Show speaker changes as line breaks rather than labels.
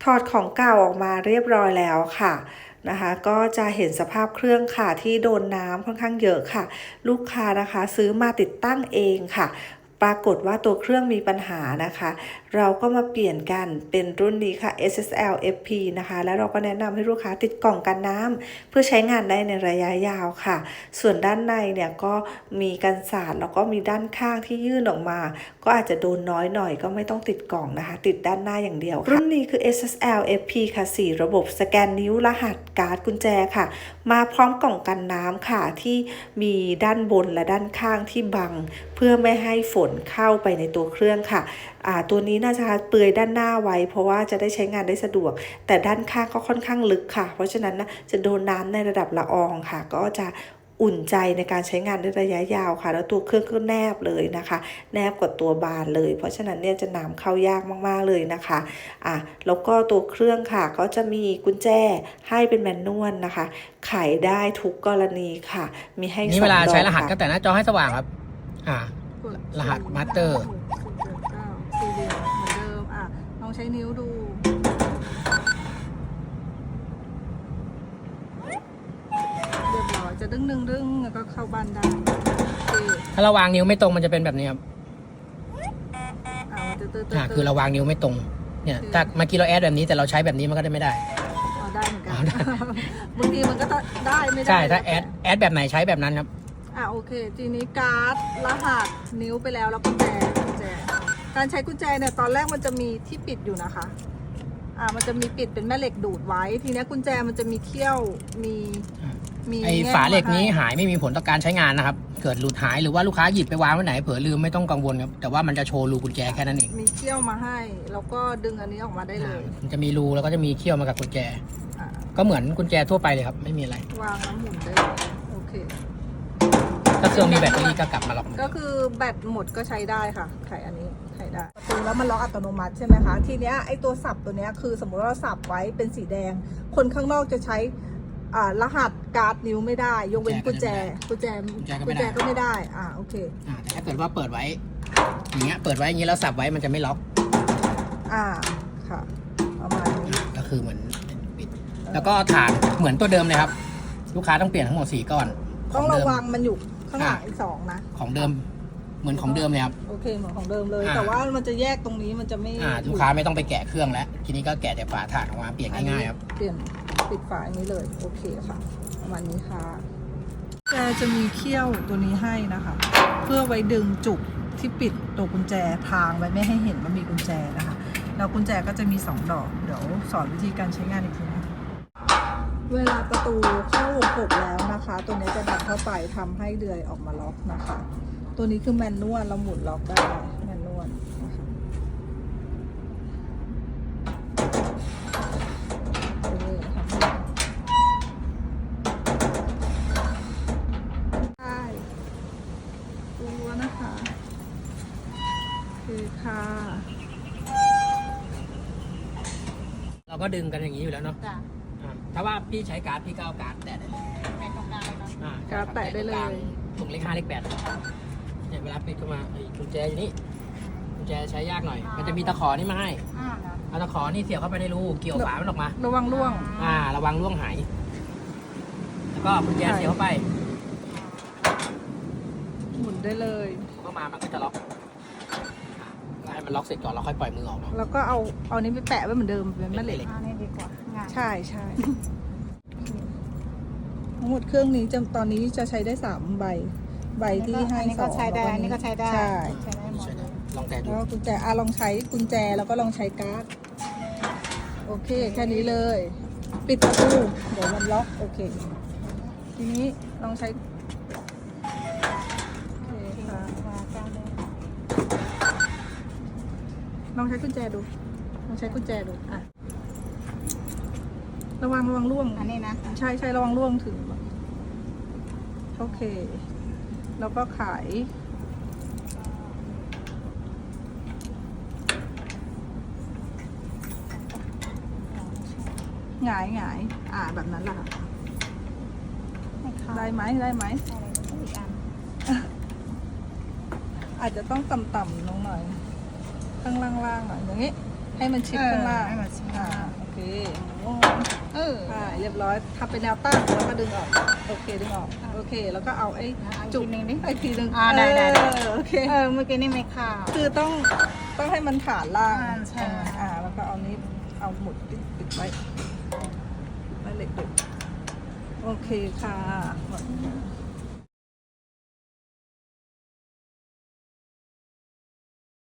อดของเก่าออกมาเรียบร้อยแล้วค่ะนะคะก็จะเห็นสภาพเครื่องค่ะที่โดนน้ำค่อนข้างเยอะค่ะลูกค้านะคะซื้อมาติดตั้งเองค่ะปรากฏว่าตัวเครื่องมีปัญหานะคะเราก็มาเปลี่ยนกันเป็นรุ่นนี้ค่ะ SSL FP นะคะแล้วเราก็แนะนำให้ลูกค้าติดกล่องกันน้ำเพื่อใช้งานได้ในระยะยาวค่ะส่วนด้านในเนี่ยก็มีกันสาดแล้วก็มีด้านข้างที่ยื่นออกมาก็อาจจะโดนน้อยหน่อยก็ไม่ต้องติดกล่องนะคะติดด้านหน้าอย่างเดียวรุ่นนี้คือ SSL FP ค่ะ4ระบบสแกนนิ้วรหัสการ์ดกุญแจค่ะมาพร้อมกล่องกันน้ำค่ะที่มีด้านบนและด้านข้างที่บังเพื่อไม่ให้ฝนเข้าไปในตัวเครื่องค่ะตัวนี้น่าจะเปลือยด้านหน้าไว้เพราะว่าจะได้ใช้งานได้สะดวกแต่ด้านข้างก็ค่อนข้างลึกค่ะเพราะฉะนั้นนะจะโดนน้ำในระดับละอองค่ะก็จะอุ่นใจในการใช้งานในระยะยาวค่ะแล้วตัวเครื่องก็แนบเลยนะคะแนบกว่าตัวบานเลยเพราะฉะนั้นเนี่ยจะน้ำเข้ายากมากๆเลยนะคะแล้วก็ตัวเครื่องค่ะก็จะมีกุญแจให้เป็นแมนนวลนะคะไขได้ทุกกรณีค่ะมีให้
นี่เวลาใช้รหัสก็แต่หน้าจอให้สว่างครับรหัสมาสเตอร์
สี่เหลี่ยมเหมือนเดิมลองใช้นิ้วดูเรียบร้อยจะดึงแล้วก็เข้าบ้านได้
ถ้าเราวางนิ้วไม่ตรงมันจะเป็นแบบนี้ครับคือเราวางนิ้วไม่ตรงเนี่ยถ้าเมื่อกี้เราแอดแบบนี้แต่เราใช้แบบนี้มันก็ได้ไม่ได้
ได้เหมือนกันบางทีมันก็ได้ไม่ได้
ใช่ถ้าแอดแบบไหนใช้แบบนั้นครับ
โอเคทีนี้การ์ดรหัสนิ้วไปแล้วกุญแจการใช้กุญแจเนี่ยตอนแรกมันจะมีที่ปิดอยู่นะคะมันจะมีปิดเป็นแม่เหล็กดูดไว้ทีนี้กุญแจมันจะมีเขี้ยวมี
ไอ้ฝาเหล็กนี้หายไม่มีผลต่อการใช้งานนะครับเกิดหลุดหายหรือว่าลูกค้าหยิบไปวางไว้ไหนเผลอลืมไม่ต้องกังวลครับแต่ว่ามันจะโชว์รูกุญแจแค่นั้นเอง
มีเขี้ยวมาให้แล้วก็ดึงอันนี้ออกมาได้เลย
มันจะมีรูแล้วก็จะมีเขี้ยวมากับกุญแจก็เหมือนกุญแจทั่วไปเลยครับไม่มีอะไร
วางแล้วหมุนได้โอเค
ถ้าเครื่องมีแบตเตอรี่ก็กลับมาล็อก
ก็คือแบตหมดก็ใช้ได้ค่ะไขอันนี้ไขได้ประตูแล้วมันล็อกอัตโนมัติใช่ไหมคะทีเนี้ยไอตัวสับตัวเนี้ยคือสมมติว่าเราสับไว้เป็นสีแดงคนข้างนอกจะใช้รหัสการ์ดนิ้วไม่ได้ยกเว้นกุญแจก็ไม่ได้โอเค
แต่ถ้าเกิดว่าเปิดไว้อย่างเงี้ยเปิดไว้อย่างงี้แล้วสับไว้มันจะไม่ล็อก
ค่ะประมาณนี้
ก็คือเหมือนปิดแล้วก็ฐานเหมือนตัวเดิมเลยครับลูกค้าต้องเปลี่ยนทั้งหมด4ก้อน
ต้องระวังมันอยู่ข้างหลังอีก2นะ
ของเดิมเหมือนของเดิมเลยครับ
โอเคเหมือนของเดิมเลยแต่ว่ามันจะแยกตรงนี้มันจะไม่
ลูกค้าไม่ต้องไปแกะเครื่องแล้วทีนี้ก็แกะแต่ฝาถ่านออกมาเปลี่ยนง่ายๆครับ
เปลี่ยนปิดฝาอันนี้เลยโอเคค่ะประมาณนี้ค่ะแกจะมีเขี้ยวตัวนี้ให้นะคะเพื่อไว้ดึงจุกที่ปิดตัวกุญแจทางไว้ไม่ให้เห็นว่ามีกุญแจนะคะแล้วกุญแจก็จะมี2ดอกเดี๋ยวสอนวิธีการใช้งานอีกทีนะเวลาประตูเข้าวงกบแล้วนะคะตัวนี้จะดันเข้าไปทำให้เดือยออกมาล็อกนะคะตัวนี้คือแมนนวลเราหมุนล็อกได้แมนนวลนะคะได้ตัวนะคะโอเคค่ะ
เราก็ดึงกันอย่างนี้อยู่แล้วเนาะถ้าว่าพี่ใช้การ์ดพี่ก็เอาการ์ดแตะได้เลย
แตะตรงกลางเลยเนาะการ์ดแตะได้เลย
ตรงเลข5เลข8เนี่ยเวลาปิดเข้ามากุญแจอยู่นี่กุญแจใช้ยากหน่อยมันจะมีตะขอนี่มาให้เอาตะขอนี่เสียบเข้าไปในรูเกี่ยวฝามันออกมา
ระวังร่วง
ระวังร่วงหายแล้วก็กุญแจเสียบเข้าไป
หมุนได้เลย
เข้ามามันก็จะล็อกให้มันล็อกเสร็จก่อนเราค่อยปล่อยมือออก
แล้วก็เอานี้ไปแปะไว้เหมือนเดิมเป็นแม่เหล็ก
นี่ดีกว่า
ใช่ทั้งหมดเครื่องนี้ตอนนี้จะใช้ได้3ใบที่ให้2
ก็ใช้ได้อันนี้ก็ใช้ได้
ใช่
ได้หมดเลย
ลองแตะดู
กุญแจลองใช้กุญแจแล้วก็ลองใช้การ์ดโอเคแค่นี้เลยปิดประตูเดี๋ยวมันล็อกโอเคทีนี้ลองใช้ลองใช้กุญแจดูระวังร่วง
อันนี้นะ
ใช่ระวังร่วงถึงโอเคแล้วก็ขายหงายแบบนั้นแหละค่ะได้ไหมอาจจะต้องต่ำๆลงหน่อยข้างล่างๆหน่อยอย่างนี้ให้มันชิดข้างล่างค่ะเรียบร้อยทำเป็นแนวตั้งแล้วก็ดึงออกโอเคดึงออกโอเคแล้วก็เอาไอ้จุก
อีกทีหนึ่งดิ
อีกทีหนึ่ง
ได้
โอเค
เมื่อกี้นี่ไม่เข้า
คือต้องให้มันฐานล่าง
ใช่
แล้วก็เอานี้เอาหมุดปิดไว้ไว้เหล็กดูโอเคค่ะ